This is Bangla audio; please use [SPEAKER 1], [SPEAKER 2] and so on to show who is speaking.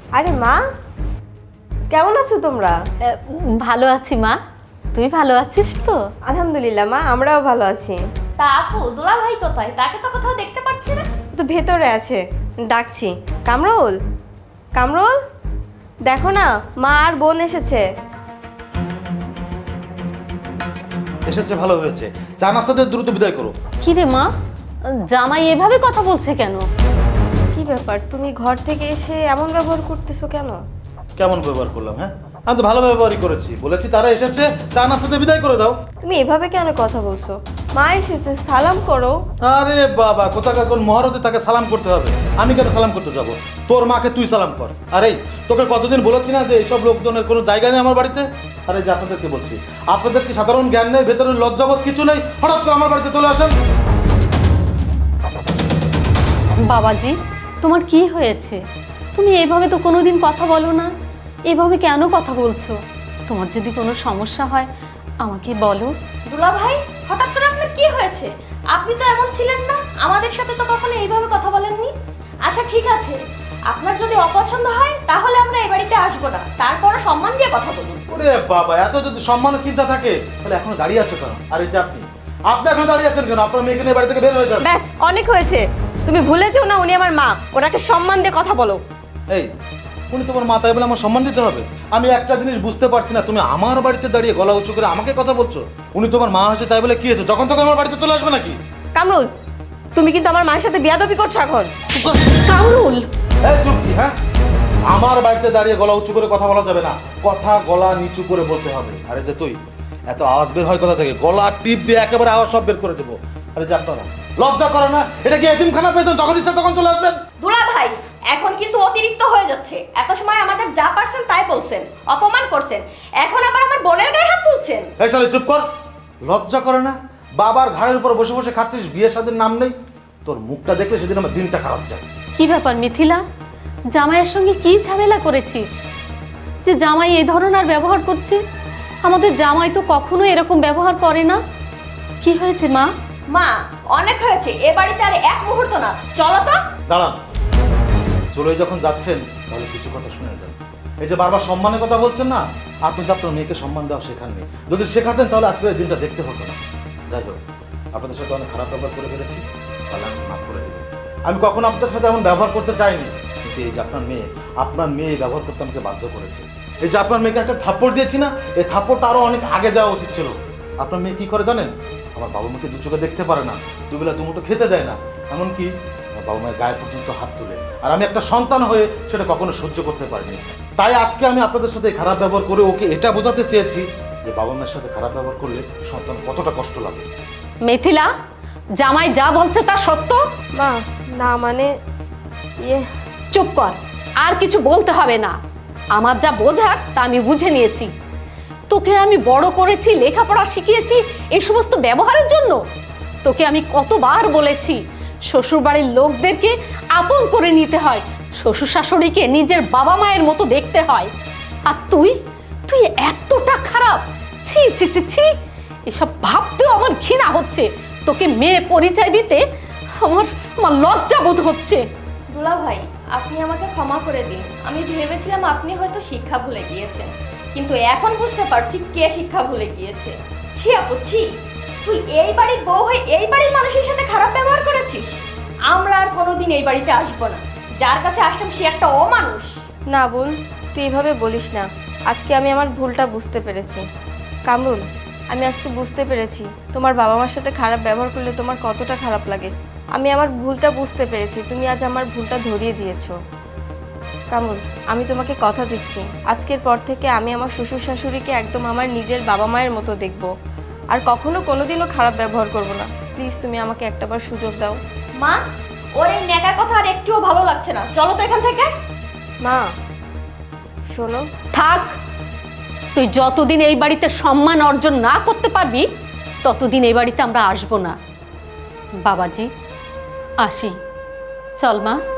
[SPEAKER 1] আরে মা, কেমন আছো তোমরা?
[SPEAKER 2] ভালো আছি মা, তুই ভালো আছিস তো?
[SPEAKER 1] আলহামদুলিল্লাহ মা, আমরাও ভালো আছি।
[SPEAKER 2] তা আপু দুলা ভাই কোথায়? তাকে তো কোথাও দেখতে পাচ্ছি না।
[SPEAKER 1] তো ভেতরে আছে, ডাকছি। কামরুল, কামরুল, দেখো না মা আর বোন এসেছে।
[SPEAKER 3] এসেছে, ভালো হয়েছে। চা নাস্তাতে দ্রুত বিদায় করো।
[SPEAKER 2] কি রে মা, জামাই এভাবে কথা বলছে কেন?
[SPEAKER 1] কি ব্যাপার, তুমি ঘর থেকে এসে এমন ব্যবহার করতেছো কেন?
[SPEAKER 3] কেমন ব্যবহার করলাম? হ্যাঁ, আমি তো ভালো ব্যবহারই করেছি। বলেছি তারা এসেছে, চা নাস্তাতে বিদায় করে দাও।
[SPEAKER 1] তুমি এভাবে কেন কথা বলছো? মা এসেছে, সালাম করো।
[SPEAKER 3] আরে বাবা, কোথাকার কোন মহারতে তাকে সালাম করতে হবে? আমি কেন সালাম করতে যাব? তোর মাকে তুই সালাম কর। আরে তোকে কতদিন বলেছি না যে এইসব লোকজনের কোনো জায়গা নেই আমার বাড়িতে? আরে যে আপনাদেরকে বলছি, আপনাদের কি সাধারণ জ্ঞান নেই, ভেতরে লজ্জাবোধ কিছু নেই? হঠাৎ করে আমার বাড়িতে চলে আসেন।
[SPEAKER 2] বাবাজি, তোমার কি হয়েছে? তুমি এইভাবে তো কোনোদিন কথা বলো না, এভাবে কেন কথা বলছো? তোমার যদি কোনো সমস্যা হয় আমাকে বলো।
[SPEAKER 4] দুলা ভাই, হঠাৎ করে আপনার কি হয়েছে? আপনি তো এমন ছিলেন না, আমাদের সাথে তো কখনো এইভাবে কথা বলেননি। আচ্ছা ঠিক আছে, আপনার যদি অপছন্দ হয় তাহলে আমরা এই বাড়িতে আসবো না, তারপরে সম্মান দিয়ে কথা বলুন।
[SPEAKER 3] ওরে বাবা, এত যদি সম্মানের চিন্তা থাকে তাহলে এখন দাঁড়িয়ে আছো কেন? আরে যে আপনি এখন দাঁড়িয়ে আছেন কেন? আপনার মেয়েকে নিয়ে বাড়ি থেকে বের হয়ে যান।
[SPEAKER 1] ব্যাস, অনেক হয়েছে। তুমি ভুলে যেও না উনি আমার মা, ওনাকে সম্মান দিয়ে কথা বলো।
[SPEAKER 3] এই, উনি তোমার মাথায় বলে আমার সম্মান দিতে হবে? আমি একটা জিনিস বুঝতে পারছি না, তুমি আমার বাড়িতে দাঁড়িয়ে গলা উঁচু করে আমাকে কথা বলছো। উনি তোমার মা হয়েছে তাই বলে কি হয়েছে? যখন তখন আমার বাড়িতে চলে আসবে নাকি?
[SPEAKER 1] কামরুল, তুমি কিন্তু আমার মায়ের সাথে বিয়াদবি করছো এখন।
[SPEAKER 2] কামরুল,
[SPEAKER 3] এই চুপ কি? হ্যাঁ, আমার বাড়িতে দাঁড়িয়ে গলা উঁচু করে কথা বলা যাবে না, কথা গলা নিচু করে বলতে হবে। আরে যে তুই এত আওয়াজ বের হয় কথা থেকে, গলা টিপ দিয়ে একেবারে আওয়াজ সব বের করে দেবো। আরে যে আপনারা লজ্জা করে না? এটা কি এতিমখানা পেয়েছেন? যখন ইচ্ছা তখন চলে আসবেন?
[SPEAKER 4] দুলা ভাই, এখন কিন্তু অতিরিক্ত হয়ে যাচ্ছে। এত সময় আমাদের যা পারছেন তাই বলছেন, অপমান করছেন, এখন আবার আমার বোনের গায়ে হাত তুলছেন।
[SPEAKER 3] এই শালি চুপ কর। লজ্জা করে না? বাবার ঘাড়ের উপর বসে বসে খাচ্ছিস, বিয়ে শাদীর নাম নেই। তোর মুখটা দেখলে সেদিন আমার দিনটা খারাপ যায়।
[SPEAKER 2] কি ব্যাপার মিথিলা, জামাইয়ের সঙ্গে কি ঝামেলা করেছিস যে জামাই এই ধরনের ব্যবহার করছে? আমাদের জামাই তো কখনো এরকম ব্যবহার করে না। কি হয়েছে মা?
[SPEAKER 4] মা, অনেক হয়েছে, এ বাড়িতে আর এক মুহূর্ত না, চলো তো।
[SPEAKER 3] দাঁড়ান, চলে যখন যাচ্ছেন তাহলে কিছু কথা শুনে যান। এই যে বারবার সম্মানের কথা বলছেন না, আপনি তো আপনার মেয়েকে সম্মান দেওয়া শেখাননি। যদি শেখাতেন তাহলে আজকের এই দিনটা দেখতে হতো না। যাই হোক, আপনাদের সাথে অনেক খারাপ ব্যবহার করে ফেলেছি, তাহলে আমি মাফ করে দেবেন। আমি কখনো আপনাদের সাথে এমন ব্যবহার করতে চাইনি, কিন্তু এই যে আপনার মেয়ে এই ব্যবহার করতে আমাকে বাধ্য করেছে। এই যে আপনার মেয়েকে একটা থাপ্পড় দিয়েছি না, এই থাপ্পড়টা আরো অনেক আগে দেওয়া উচিত ছিল। আপনার মেয়ে কি করে জানেন? আমার বাবা মাকে দু চোখে দেখতে পারে না, দুবেলা দুমুঠো খেতে দেয় না, এমনকি আমার বাবা মায়ের গায়ে পর্যন্ত হাত তুলে। আর আমি একটা সন্তান হয়ে সেটা কখনো সহ্য করতে পারিনি। তাই আজকে আমি আপনাদের সাথে খারাপ ব্যবহার করে ওকে এটা বোঝাতে চেয়েছি যে বাবা মায়ের সাথে খারাপ ব্যবহার করলে সন্তান কতটা কষ্ট লাগে।
[SPEAKER 2] মিথিলা, জামাই যা বলছে তা সত্য?
[SPEAKER 1] মা, না মানে ইয়ে।
[SPEAKER 2] চুপ কর, আর কিছু বলতে হবে না। আমার যা বোঝার তা আমি বুঝে নিয়েছি। তোকে আমি বড় করেছি, লেখাপড়া শিখিয়েছি এই সমস্ত ব্যবহারের জন্য? তোকে আমি কতবার বলেছি শ্বশুর বাড়ির লোকদেরকে আপন করে নিতে হয়, শ্বশুর শাশুড়িকে নিজের বাবা মায়ের মতো দেখতে হয়। আর তুই তুই এতটা খারাপ! ছি ছি ছি ছি, এসব ভাবতেও আমার ঘৃণা হচ্ছে। তোকে মেয়ে পরিচয় দিতে আমার আমার লজ্জা বোধ হচ্ছে।
[SPEAKER 4] দুলা ভাই, আপনি আমাকে ক্ষমা করে দিন। আমি ভেবেছিলাম আপনি হয়তো শিক্ষা ভুলে গিয়েছেন, কিন্তু এখন বুঝতে পারছি কে শিক্ষা ভুলে গিয়েছে। ছি আপু, ছি, তুই এই বাড়ির বউ হয়ে এই বাড়ির মানুষের সাথে খারাপ ব্যবহার করেছিস। আমরা আর কোনোদিন এই বাড়িতে আসবো না। যার কাছে আসতাম সে একটা অমানুষ।
[SPEAKER 1] না বোন, তুই এইভাবে বলিস না। আজকে আমি আমার ভুলটা বুঝতে পেরেছি। কামরুল, আমি আজকে বুঝতে পেরেছি তোমার বাবা মার সাথে খারাপ ব্যবহার করলে তোমার কতটা খারাপ লাগে। আমি আমার ভুলটা বুঝতে পেরেছি, তুমি আজ আমার ভুলটা ধরিয়ে দিয়েছো। কামরুল, আমি তোমাকে কথা দিচ্ছি, আজকের পর থেকে আমি আমার শ্বশুর শাশুড়িকে একদম আমার নিজের বাবা মায়ের মতো দেখব, আর কখনো কোনোদিনও খারাপ ব্যবহার করব না। প্লিজ তুমি আমাকে একটাবার সুযোগ দাও।
[SPEAKER 4] মা, ওর এই নেকার কথা আর একটুও ভালো লাগছে না, চলো তো এখান থেকে।
[SPEAKER 1] মা শোনো।
[SPEAKER 2] থাক, তুই যতদিন এই বাড়িতে সম্মান অর্জন না করতে পারবি ততদিন এই বাড়িতে আমরা আসবো না। বাবাজি, আসি, চল মা।